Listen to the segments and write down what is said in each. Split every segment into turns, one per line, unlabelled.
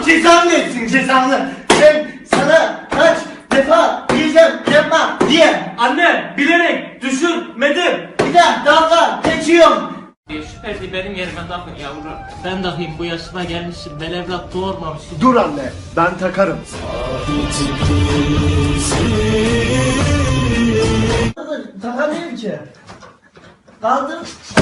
cezanı versin cezanı. Ben sana kaç defa diyeceğim yapma diye.
Anne bilerek düşürmedim.
Bir daha dalga geçiyorum.
Şu perdeyi benim yerime takın yavrum. Ben takayım, bu yaşıma gelmişim. Ben evlat doğurmamışım.
Dur anne, ben takarım.
Takamıyorum ki. Kaldım.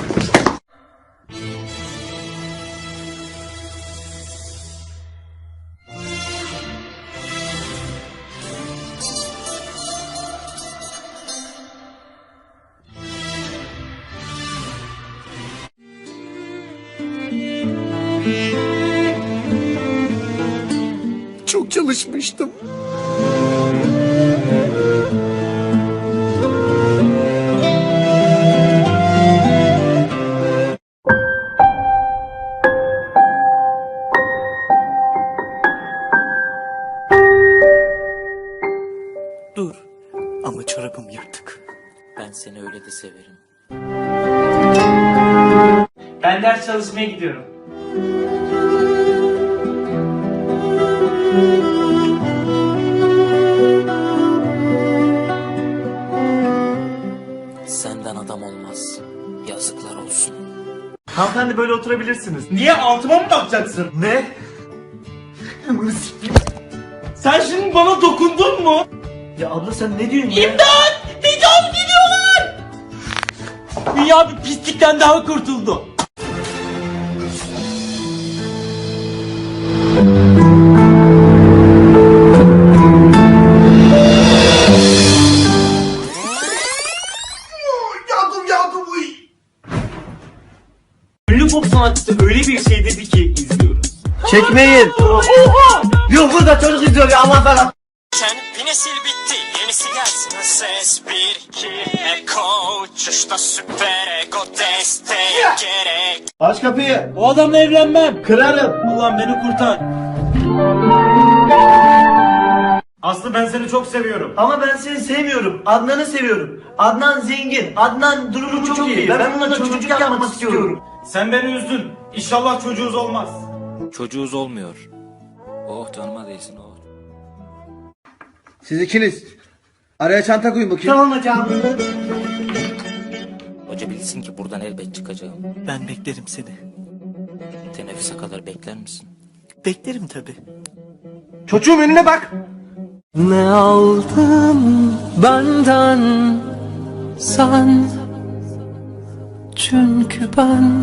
Çok çalışmıştım.
Dur. Ama çorabım yırtık.
Ben seni öyle de severim.
Ben ders çalışmaya gidiyorum.
Senden adam olmaz. Yazıklar olsun.
Hanımefendi böyle oturabilirsiniz.
Niye, altıma mı bakacaksın?
Ne?
Sen şimdi bana dokundun mu?
Ya abla sen ne diyorsun ya?
İmdat! Tecavüz ediyorlar! Dünya bir pislikten daha kurtuldu.
Yardım uy.
Ünlü pop sanatçısı öyle bir şey dedi ki izliyoruz.
Çekmeyin.
Oha!
Yok burada çocuk izliyor ya Allah falan.
Bir nesil bitti, yenisi gelsin. Ses 1-2 Eko uçuşta süper ego desteğe gerek.
Aç kapıyı.
O adamla evlenmem.
Kırarım.
Allah'ım beni kurtar. Aslı, ben seni çok seviyorum.
Ama ben seni sevmiyorum. Adnan'ı seviyorum. Adnan zengin. Adnan durumu çok iyi. Ben onunla çocuk yapmak istiyorum.
Sen beni üzdün. İnşallah çocuğuz olmaz.
Çocuğuz olmuyor. Oh canıma değsin oh.
Siz ikiniz. Araya çanta koyun bakayım.
Tamam hocam.
Hoca bilsin ki buradan elbet çıkacağım.
Ben beklerim seni.
Teneffüse kadar bekler misin?
Beklerim tabi.
Çocuğum önüne bak.
Ne aldın benden sen? Çünkü ben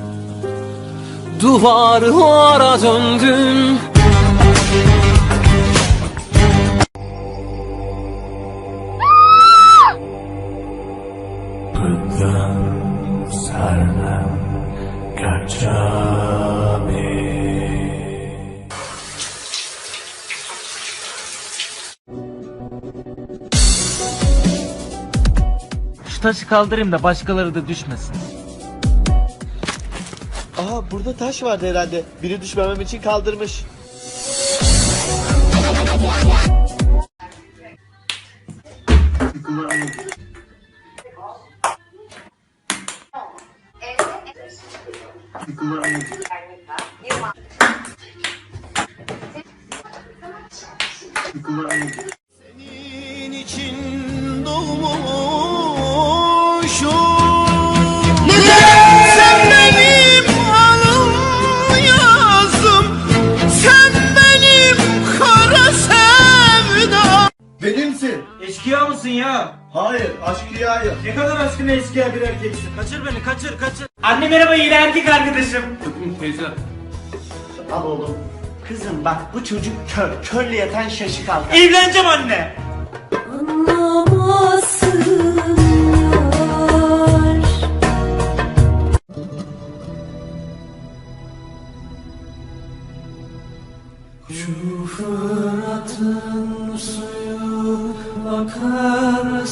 duvarlara döndüm.
Şu taşı kaldırayım da başkaları da düşmesin.
Aha burada taş vardı herhalde. Biri düşmemem için kaldırmış. Senin için doğmuşum. Sen benim alım yazım. Sen benim kara sevdam.
Benimsin.
Eşkıya mısın ya?
Hayır, aşkıyayım.
Ne kadar aşkına eşkıya bir erkeksin. Kaçır beni, kaçır. Anne merhaba, yine erkek arkadaşım. Teyze.
Al oğlum. Kızım bak bu çocuk kör. Körle yatan şaşı kaldı.
Evleneceğim anne.
Şu Fırat'ın suyu akar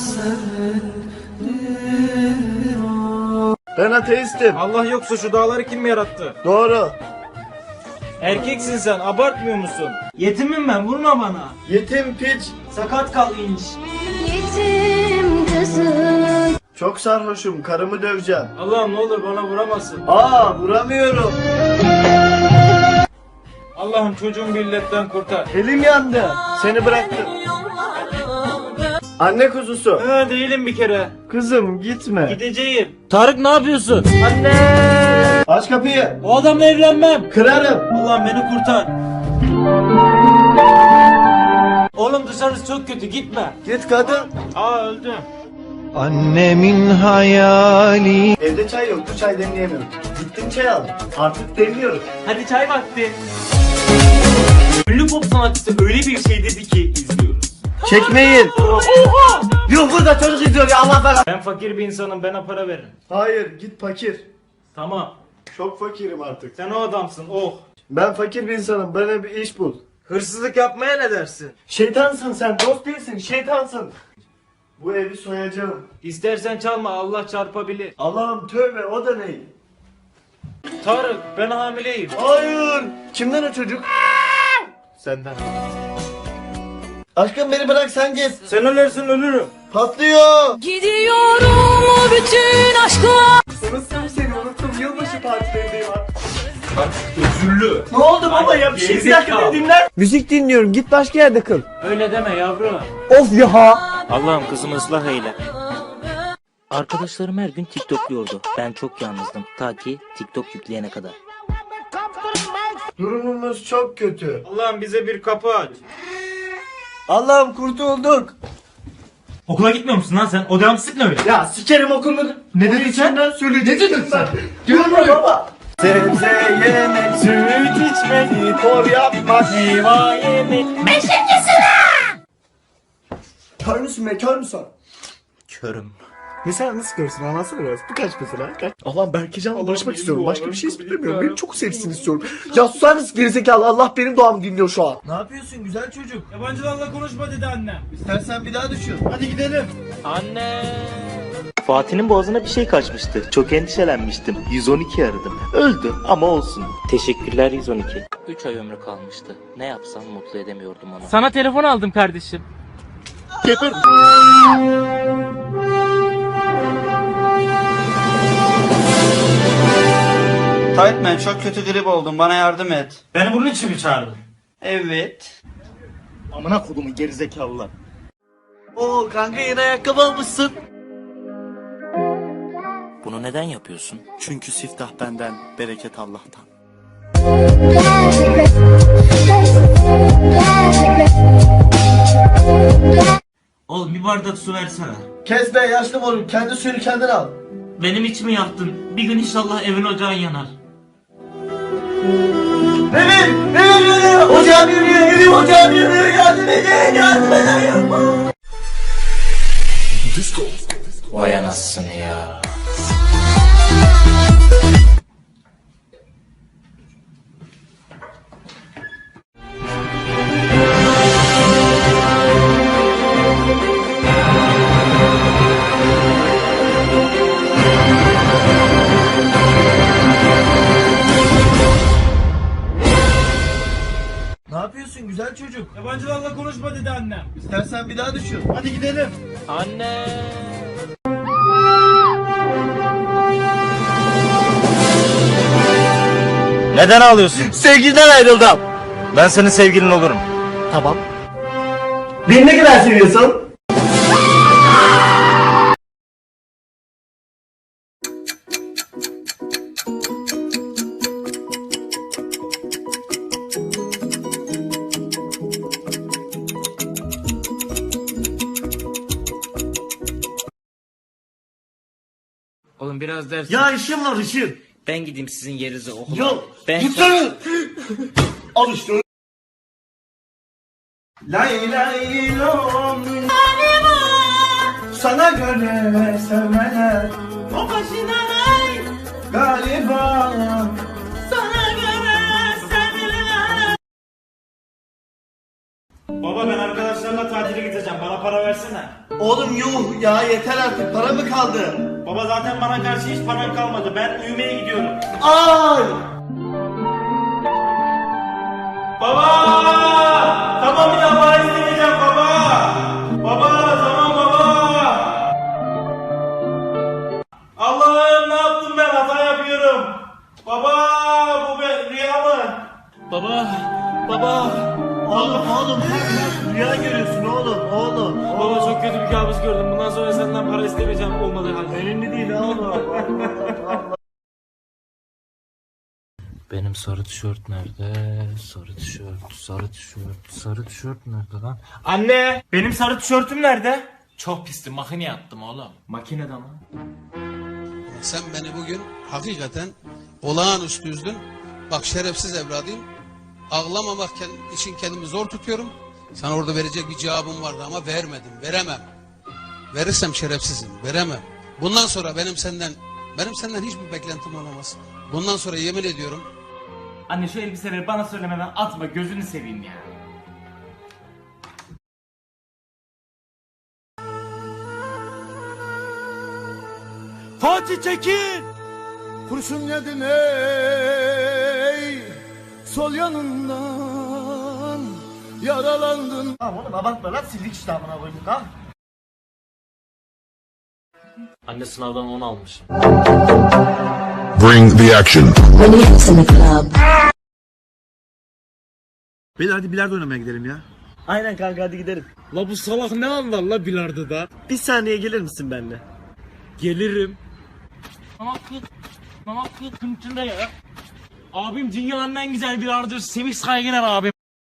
serindir o.
Ben ateistim.
Allah yoksa şu dağları kim yarattı?
Doğru.
Erkeksin sen, abartmıyor musun? Yetimim ben, vurma bana.
Yetim piç.
Sakat kal inç.
Yetim kızım.
Çok sarhoşum. Karımı döveceğim.
Allah'ım ne olur bana vuramazsın.
Vuramıyorum.
Allah'ım çocuğumu bir illetten kurtar.
Elim yandı. Seni bıraktım. Anne kuzusu.
Değilim bir kere.
Kızım gitme.
Gideceğim. Tarık ne yapıyorsun?
Anne. Aç kapıyı.
O adamla evlenmem.
Kırarım.
Allah'ım beni kurtar. Oğlum dışarısı çok kötü gitme.
Git kadın.
Öldüm.
Annemin hayali. Evde çay yoktu, çay demleyemiyorum. Gittim çay aldım. Artık demliyorum.
Hadi çay vakti. Ünlü pop sanatçısı öyle bir şey dedi ki izliyoruz.
Çekmeyin. Yok burada çocuk izliyor ya, Allah belanı.
Ben fakir bir insanım, bana para verin.
Hayır, git fakir.
Tamam.
Çok fakirim artık.
Sen o adamsın. Oh.
Ben fakir bir insanım. Bana bir iş bul.
Hırsızlık yapmaya ne dersin?
Şeytansın sen. Dost değilsin. Şeytansın. Bu evi soyacağım.
İstersen çalma, Allah çarpabilir.
Allah'ım tövbe, o da ne?
Tarık, ben hamileyim.
Hayır. Kimden o çocuk? Senden. Aşkım beni bırak, sen git.
Sen ölürsün, ölürüm.
Patlıyor.
Gidiyorum o bütün aşkla.
Unuttum seni, unuttum. Yılbaşı partilerindeyim artık.
Üzüllü.
Ne oldu baba ya? Bir şey, bir dakika beni dinler. Müzik dinliyorum. Git başka yerde kıl.
Öyle deme yavrum.
Of ya.
Allah'ım kızımı ıslah eyle. Arkadaşlarım her gün TikTokluyordu. Ben çok yalnızdım. Ta ki TikTok yükleyene kadar.
Durumumuz çok kötü.
Allah'ım bize bir kapı aç.
Allah'ım kurtulduk.
Okula gitmiyor musun lan sen? O devamsızlık ne öyle?
Ya sikerim okulunu. Ne dedin sen? Ne dedin sen? Diyorum baba. Sebze yemek, süt içmek, spor yapmak, meyve yemek. Kör müsün be, kör müsün?
Körüm.
Mesela nasıl görsün, anlatsana biraz. Bu kaç mesela? Kaç? Allah'ım Berkecan'la barışmak istiyorum. Başka bir şey istemiyorum. Beni çok sevsin istiyorum. Ya susar mısın gerizekalı? Allah benim duamı dinliyor şu an.
Ne yapıyorsun güzel çocuk? Yabancılarla konuşma dedi annem.
İstersen bir daha düşün. Hadi gidelim.
Anne.
Fatih'in boğazına bir şey kaçmıştı. Çok endişelenmiştim. 112 aradım. Öldü ama olsun.
Teşekkürler 112. 3 ay ömrü kalmıştı. Ne yapsam mutlu edemiyordum onu.
Sana telefon aldım kardeşim.
Geber.
Taytman çok kötü grip oldum. Bana yardım et.
Beni bunun için mi çağırdın?
Evet.
Amına kodumun gerizekalılar. Oo kanka, yeni ayakkabı almışsın.
Bunu neden yapıyorsun?
Çünkü siftah benden, bereket Allah'tan.
Oğlum bir bardak su versene.
Kes be yaşlı moruk, kendi suyunu kendin al.
Benim içimi yaktın. Bir gün inşallah evin ocağın yanar.
Evim yanıyor, ocağım yanıyor, evim ocağım yanıyor, yardım edin, yardım edin.
Vay anasını ya.
Ne yapıyorsun güzel çocuk?
Yabancılarla konuşma dedi annem.
İstersen bir daha düşün. Hadi gidelim.
Anne.
Neden ağlıyorsun?
Sevgiliden ayrıldım.
Ben senin sevgilin olurum.
Tamam. Beni ne kadar seviyorsun?
Oğlum biraz ders.
Ya işim var işim.
Ben gideyim sizin yerinize okula.
Yok.
Ben
Gitsene. Al işte. Lay lay lom. Sana göre sevmeler. O başına lay. Galiba. Sana göre sevmeler.
Baba ben arkadaşlarla tatile gideceğim. Bana para versene.
Oğlum yuh ya, yeter artık, para mı kaldı?
Baba zaten bana karşı hiç param kalmadı. Ben uyumaya gidiyorum.
Ay!
Baba! Tamam bir daha para istemeyeceğim baba! Baba tamam baba! Allah'ım ne yaptım ben? Hata yapıyorum. Baba bu rüya mı?
Oğlum rüya görüyorsun oğlum.
Baba çok kötü bir kabus gördüm. Bundan sonra senden para istemeyeceğim olmadığı halde.
Önemli değil oğlum.
Benim sarı tişört nerede? Sarı tişört nerede lan?
Anne! Benim sarı tişörtüm nerede? Çok pisti. Makineye attım oğlum. Makinede mi?
Sen beni bugün hakikaten olağanüstü üzdün. Bak şerefsiz evladıyım. Ağlamamak için kendimi zor tutuyorum. Sana orada verecek bir cevabım vardı ama veremem. Verirsem şerefsizim, veremem. Bundan sonra benim senden hiçbir beklentim olamaz. Bundan sonra yemin ediyorum.
Anne şu elbiseleri bana söylemeden atma, gözünü seveyim ya. Fatih Tekin!
Kurşun yedin ey, sol yanından yaralandın.
Tamam oğlum abartma lan, sildik işte amına koyduk ha.
Anne sınavdan 10 almış.
Bring the action.
Beyler hadi bilardo oynamaya gidelim ya.
Aynen kanka, hadi gidelim.
La bu salak ne anlar la bilardoda?
Bir saniye gelir misin benimle?
Gelirim. Mamaklık kıntında ya. Abim dünyanın en güzel bilardosu, Semih Saygıner abim.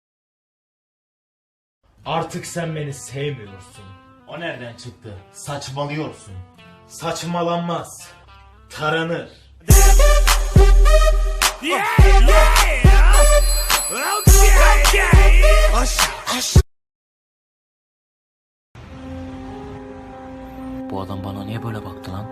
Artık sen beni sevmiyorsun. O nereden çıktı? Saçmalıyorsun. Saçmalanmaz. Taranır.
Bu adam bana niye böyle baktı lan?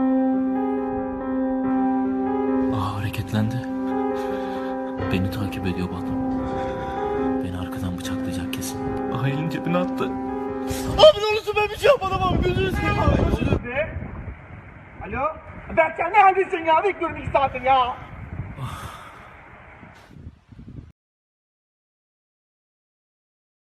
Hareketlendi. Beni takip ediyor bu adam. Beni arkadan bıçaklayacak kesin. Elini cebine attı.
Abi ne olursun ben bir şey yapmadım abi, gözünü seveyim abi.
Alo? Berkcan ne haldesin ya? Bekliyorum 2 saattir ya.